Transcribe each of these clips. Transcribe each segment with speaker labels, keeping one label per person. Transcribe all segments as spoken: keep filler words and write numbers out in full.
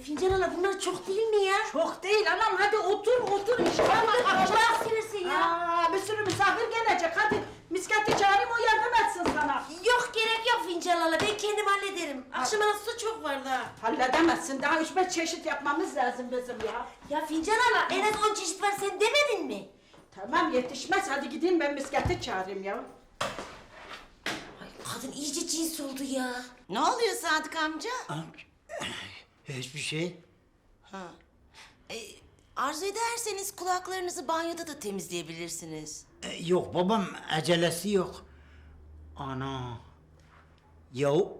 Speaker 1: Fincan hala bunlar çok değil mi ya?
Speaker 2: Çok değil anam, hadi otur otur iştahla
Speaker 1: Allah
Speaker 2: kalk.
Speaker 1: sinirsin ya.
Speaker 2: Aa, bir sürü misafir gelecek, hadi misketi çağırayım, o yardım etsin sana.
Speaker 1: Yok gerek yok Fincan hala, ben kendim hallederim. Akşama su çok var daha.
Speaker 2: Halledemezsin, daha üç beş çeşit yapmamız lazım bizim ya.
Speaker 1: Ya Fincan hala en az on çeşit var, sen demedin mi?
Speaker 2: Tamam yetişmez, hadi gideyim ben misketi çağırayım ya.
Speaker 1: Ay kadın iyice cins oldu ya.
Speaker 3: Ne oluyor Sadık amca?
Speaker 4: Hiçbir şey.
Speaker 3: Ha. E, arzu ederseniz kulaklarınızı banyoda da temizleyebilirsiniz.
Speaker 4: E, yok babam, acelesi yok. Ana. Yahu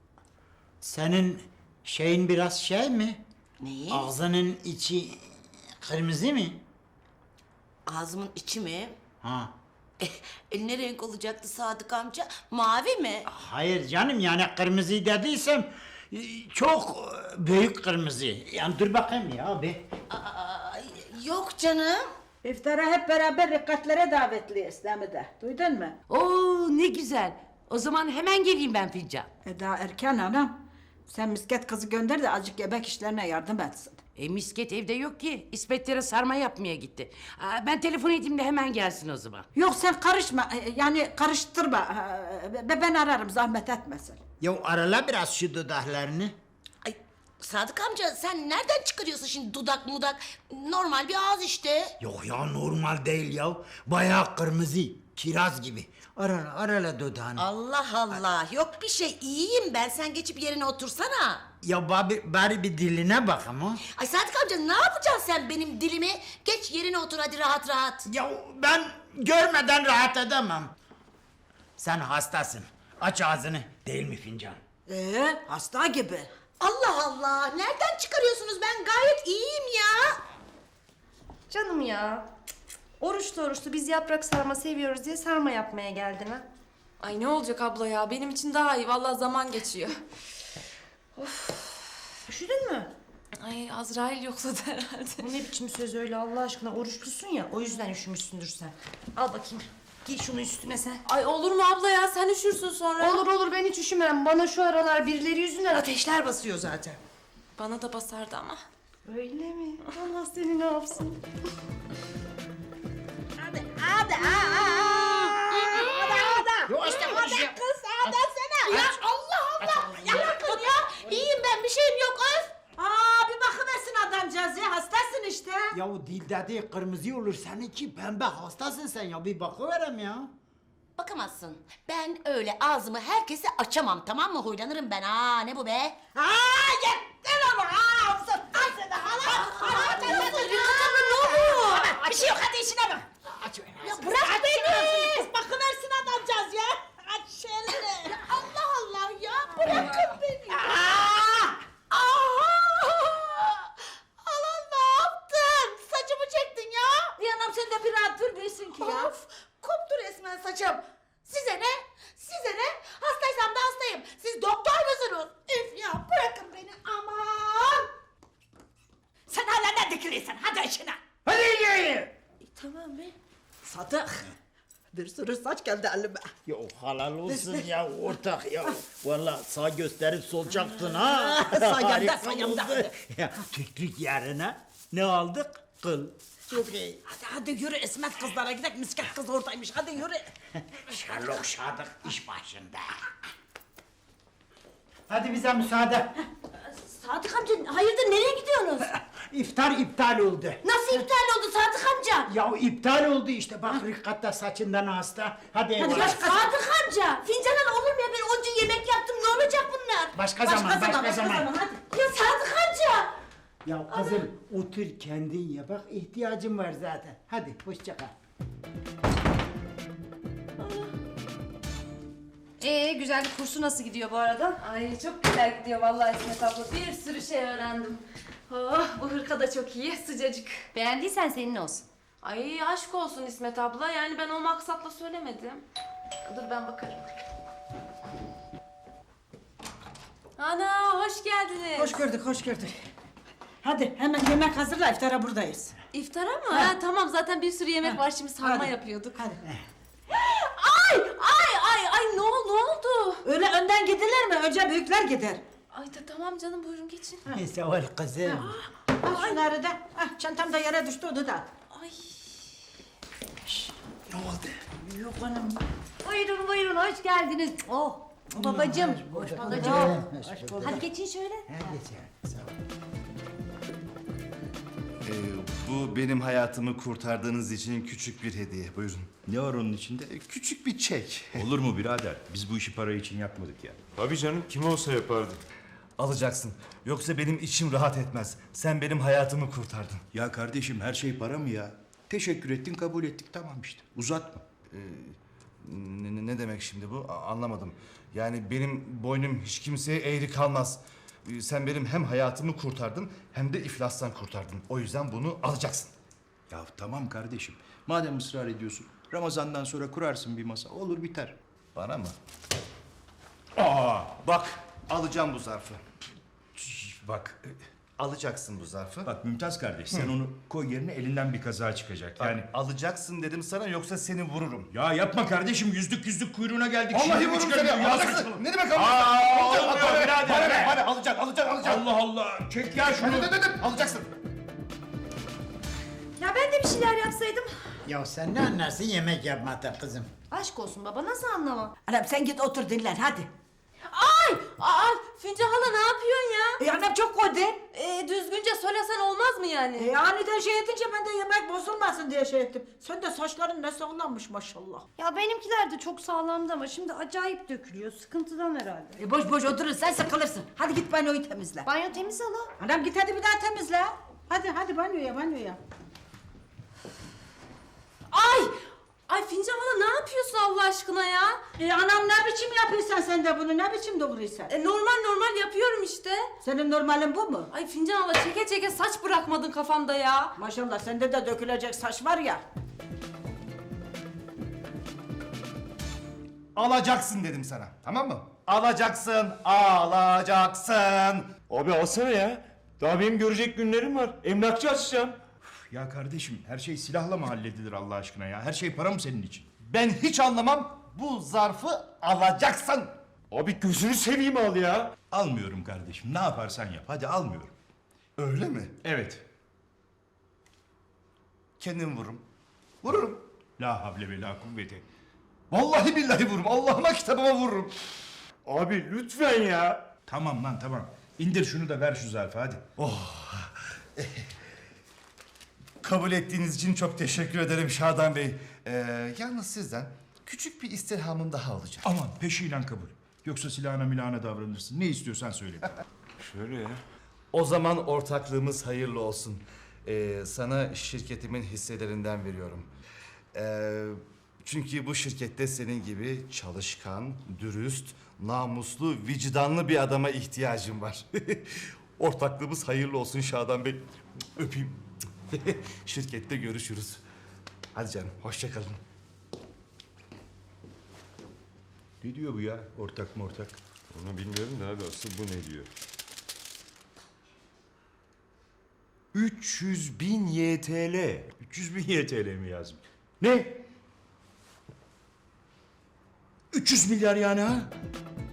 Speaker 4: senin şeyin biraz şey mi?
Speaker 3: Neyi?
Speaker 4: Ağzının içi kırmızı mı?
Speaker 3: Ağzımın içi mi?
Speaker 4: Ha.
Speaker 3: E, ne renk olacaktı Sadık amca? Mavi mi?
Speaker 4: Hayır canım, yani kırmızı dediysem e, çok e, büyük kırmızı. Yani dur bakayım ya abi.
Speaker 3: Aa, yok canım.
Speaker 2: İftara hep beraber rikatlere davetliyiz değil mi de? Duydun mu?
Speaker 5: Oo ne güzel. O zaman hemen geleyim ben Fincan.
Speaker 2: E daha erken anam. Sen misket kızı gönder de azıcık gebek işlerine yardım etsin.
Speaker 5: E misket evde yok ki. İspetlere sarma yapmaya gitti. Aa, ben telefon edeyim de hemen gelsin o zaman.
Speaker 2: Yok sen karışma, e, yani karıştırma. E, Ben ararım, zahmet etmesin.
Speaker 4: Ya arala biraz şu dudaklarını.
Speaker 3: Ay, Sadık amca sen nereden çıkarıyorsun şimdi dudak mudak? Normal bir ağız işte.
Speaker 4: Yok ya, normal değil ya. Bayağı kırmızı, kiraz gibi. Arala arala dudağını.
Speaker 3: Allah Allah. Yok bir şey, iyiyim ben. Sen geçip yerine otursana.
Speaker 4: Ya bari, bari bir diline bak ama.
Speaker 3: Ay Sadık amca ne yapacaksın sen benim dilimi? Geç yerine otur hadi rahat rahat.
Speaker 4: Ya ben görmeden rahat edemem. Sen hastasın. Aç ağzını. Değil mi Fincan?
Speaker 2: Ee, hasta gibi.
Speaker 3: Allah Allah. Nereden çıkarıyorsunuz? Ben gayet iyiyim ya.
Speaker 6: Canım ya. Oruçlu oruçlu biz yaprak sarma seviyoruz diye sarma yapmaya geldin ha.
Speaker 7: Ay ne olacak abla ya? Benim için daha iyi. Vallahi zaman geçiyor.
Speaker 6: Üşüdün mü?
Speaker 7: Ay Azrail yokladı herhalde.
Speaker 6: Bu ne biçim söz öyle Allah aşkına, oruçlusun ya, o yüzden üşümüşsündür sen. Al bakayım. Giy şunu üstüne sen.
Speaker 7: Ay olur mu abla ya? Sen üşürsün sonra.
Speaker 6: Olur olur, ben hiç üşümem. Bana şu aralar birileri yüzünden ateşler basıyor zaten.
Speaker 7: Bana da basardı ama.
Speaker 6: Öyle mi? Allah seni ne yapsın?
Speaker 2: Hadi, hadi, hadi, hadi.
Speaker 4: Yok işte bu şey.
Speaker 3: Kız hadi sana. Ya Allah Allah. Ya bırakın ya. İyiyim ben, bir şeyim yok öf.
Speaker 2: Aa, bir bakıversin adamcağız ya, hastasın işte.
Speaker 4: Ya o dil dediği kırmızı olur. Seninki pembe, hastasın sen ya. Bir bakıverem ya.
Speaker 3: Bakamazsın. Ben öyle ağzımı herkese açamam, tamam mı? Huylanırım ben. Aa ne bu be?
Speaker 2: Aa, yeter ama, aa, sıktın seni, hala.
Speaker 3: Ne oluyor?
Speaker 2: Bir şey yok, hadi işine bak.
Speaker 3: Ya bırak beni.
Speaker 2: Bakıversin adamcağız ya. Aç şöyle.
Speaker 3: Allah Allah ya. Bırakın beni.
Speaker 2: Aa!
Speaker 3: Allah ne yaptın? Saçımı çektin ya.
Speaker 2: Bir anam sen de bir rahat dur bilsin ki ya.
Speaker 3: Of, koptu resmen saçım. Size ne? Size ne? Hastaysam da hastayım. Siz doktor musunuz? Üf ya, bırakın beni aman.
Speaker 2: Sen hala ne dikiliyorsun? Hadi işine.
Speaker 4: Hadi yürü.
Speaker 3: Tamam be.
Speaker 2: Sadık. Bir sürü saç geldi elime.
Speaker 4: Ya halal olsun ya ortak ya. Vallahi sağ gösterip solacaktın ha.
Speaker 2: Sayemde,
Speaker 4: Harika
Speaker 2: sayemde.
Speaker 4: oldu. Ya tüklük yerine ne aldık? Kıl. Çok iyi.
Speaker 2: Hadi hadi yürü İsmet kızlara gidelim. Misket kız oradaymış. Hadi yürü.
Speaker 4: Sherlock Sadık iş başında. Hadi bize müsaade.
Speaker 1: Sadık amca hayırdır nereye gidiyorsunuz?
Speaker 4: İftar iptal oldu.
Speaker 1: Nasıl iptal oldu Sadık amca?
Speaker 4: Ya iptal oldu işte, bak Rikkat da saçından hasta. Hadi
Speaker 1: Ya
Speaker 4: eyvallah.
Speaker 1: Sadık amca fincanan olur mu ya, ben onca yemek yaptım, ne olacak bunlar?
Speaker 4: Başka, zaman, başka, zaman.
Speaker 1: hadi. Ya Sadık amca.
Speaker 4: Ya kızım otur kendin ye, bak ihtiyacım var zaten. Hadi hoşça kal.
Speaker 6: Ee güzellik kursu nasıl gidiyor bu arada?
Speaker 7: Ay çok güzel gidiyor vallahi İsmet abla. Bir sürü şey öğrendim. Oh, bu hırka da çok iyi, sıcacık.
Speaker 6: Beğendiysen senin olsun.
Speaker 7: Ay aşk olsun İsmet abla. Yani ben o maksatla söylemedim. Dur ben bakarım. Ana hoş geldiniz.
Speaker 2: Hoş gördük, hoş gördük. Hadi hemen yemek hazırla, iftara buradayız.
Speaker 7: İftara mı? Ha, tamam zaten bir sürü yemek
Speaker 2: Ha.
Speaker 7: var, şimdi sarma
Speaker 2: Hadi.
Speaker 7: yapıyorduk.
Speaker 2: Hadi.
Speaker 7: Ay ay ay ay ne oldu ne oldu?
Speaker 2: Öyle önden gidilir mi? Önce büyükler gider.
Speaker 7: Ay da tamam canım buyurun geçin.
Speaker 4: Sağ ol kızım.
Speaker 2: Al şunları da. Ah, çantam da yere düştü onu da.
Speaker 7: Ay.
Speaker 4: Ne oldu?
Speaker 2: Yok hanım.
Speaker 1: Buyurun buyurun hoş geldiniz. Oh babacığım. Hoş babacığım.
Speaker 4: Hoş bulduk.
Speaker 1: Hadi geçin şöyle.
Speaker 4: Hadi canım, sağ ol.
Speaker 8: Ee, bu benim hayatımı kurtardığınız için küçük bir hediye. Buyurun.
Speaker 9: Ne var onun içinde?
Speaker 8: Ee, küçük bir çek.
Speaker 9: Olur mu birader? Biz bu işi para için yapmadık ya.
Speaker 10: Tabii canım kim olsa yapardı.
Speaker 8: Alacaksın. Yoksa benim içim rahat etmez. Sen benim hayatımı kurtardın.
Speaker 9: Ya kardeşim her şey para mı ya? Teşekkür ettin, kabul ettik, tamam işte. Uzatma.
Speaker 8: Ne, ne- ne demek şimdi bu? A- anlamadım. Yani benim boynum hiç kimseye eğri kalmaz. Ee, sen benim hem hayatımı kurtardın hem de iflastan kurtardın. O yüzden bunu alacaksın.
Speaker 9: Ya tamam kardeşim. Madem ısrar ediyorsun, Ramazan'dan sonra kurarsın bir masa. Olur biter.
Speaker 8: Bana mı? Aa, bak alacağım bu zarfı. Şş, Bak e, alacaksın bu zarfı.
Speaker 9: Bak Mümtaz kardeş, sen onu koy yerine, elinden bir kaza çıkacak.
Speaker 8: Yani
Speaker 9: Yani
Speaker 8: alacaksın dedim sana yoksa seni vururum.
Speaker 9: ya yapma kardeşim, yüzlük yüzlük kuyruğuna geldik.
Speaker 8: Vallahi
Speaker 9: Şimdi
Speaker 8: vururum
Speaker 9: çıkarıyor.
Speaker 8: seni.
Speaker 9: Ya
Speaker 8: Alacaksın.
Speaker 9: saçmalama.
Speaker 8: Ne demek
Speaker 9: Aa,
Speaker 8: alacaksın?
Speaker 9: olmuyor
Speaker 8: Alacaksın.
Speaker 9: birader
Speaker 8: Bana
Speaker 9: be.
Speaker 8: ne? Bana alacaksın, alacaksın, alacaksın.
Speaker 9: Allah Allah, çek ya şunu.
Speaker 8: Hadi, hadi, hadi, alacaksın.
Speaker 6: Ya ben de bir şeyler yapsaydım.
Speaker 4: Ya sen ne anlarsın yemek yapmaktan kızım?
Speaker 6: Aşk olsun baba nasıl anlamam?
Speaker 2: Anam sen git otur dinlen hadi.
Speaker 7: Ay! Aa, Fincan hala ne yapıyorsun ya?
Speaker 2: E anam çok koydu.
Speaker 7: Ee, düzgünce söylesen olmaz mı yani?
Speaker 2: E aniden şey edince ben de yemek bozulmasın diye şey ettim. Sen de saçların ne sağlammış maşallah.
Speaker 6: Ya benimkiler de çok sağlamdı ama şimdi acayip dökülüyor. Sıkıntıdan herhalde.
Speaker 2: E boş boş oturursan sıkılırsın. Hadi git banyoyu temizle.
Speaker 6: Banyo temiz hala.
Speaker 2: Anam git hadi bir daha temizle. Hadi hadi banyoya banyoya.
Speaker 7: Ay! Ay Fincan hala ne yapıyorsun Allah aşkına ya?
Speaker 2: E anam ne biçim yapıyorsun sen de bunu, ne biçim doğruysan?
Speaker 7: E, normal normal yapıyorum işte.
Speaker 2: Senin normalin bu mu?
Speaker 7: Ay Fincan hala çeke çeke saç bırakmadın kafamda ya.
Speaker 2: Maşallah sende de dökülecek saç var ya.
Speaker 8: Alacaksın dedim sana. Tamam mı? Alacaksın, alacaksın.
Speaker 10: Abi alsana ya. Daha benim görecek günlerim var. Emlakçı açacağım.
Speaker 9: Ya kardeşim, her şey silahla mı halledilir Allah aşkına ya? Her şey para mı senin için?
Speaker 8: Ben hiç anlamam. Bu zarfı alacaksın.
Speaker 10: Abi gözünü seveyim al ya.
Speaker 9: Almıyorum kardeşim, ne yaparsan yap. Hadi almıyorum.
Speaker 8: Öyle mi?
Speaker 9: Evet.
Speaker 8: Kendim vururum. Vururum.
Speaker 9: La havle ve la kuvvete.
Speaker 8: Vallahi billahi vururum. Allah'ıma kitabıma vururum.
Speaker 10: Abi lütfen ya.
Speaker 9: Tamam lan tamam. İndir şunu da ver şu zarfı hadi.
Speaker 8: Kabul ettiğiniz için çok teşekkür ederim Şadan Bey. Ee, yalnız sizden küçük bir istirhamım daha olacak.
Speaker 9: Aman peşiyle kabul. Yoksa silahına milahına davranırsın. Ne istiyorsan söyle.
Speaker 10: Şöyle ya.
Speaker 8: O zaman ortaklığımız hayırlı olsun. Ee, sana şirketimin hisselerinden veriyorum. Ee, çünkü bu şirkette senin gibi çalışkan, dürüst, namuslu, vicdanlı bir adama ihtiyacım var. Ortaklığımız hayırlı olsun Şadan Bey. Öpeyim. Şirkette görüşürüz. Hadi canım, hoşça kalın.
Speaker 9: Ne diyor bu ya? Ortak mı ortak?
Speaker 10: Onu bilmiyorum da abi asıl bu ne diyor?
Speaker 9: üç yüz bin Y T L. üç yüz bin Y T L mi yazmış? Ne? üç yüz milyar yani ha?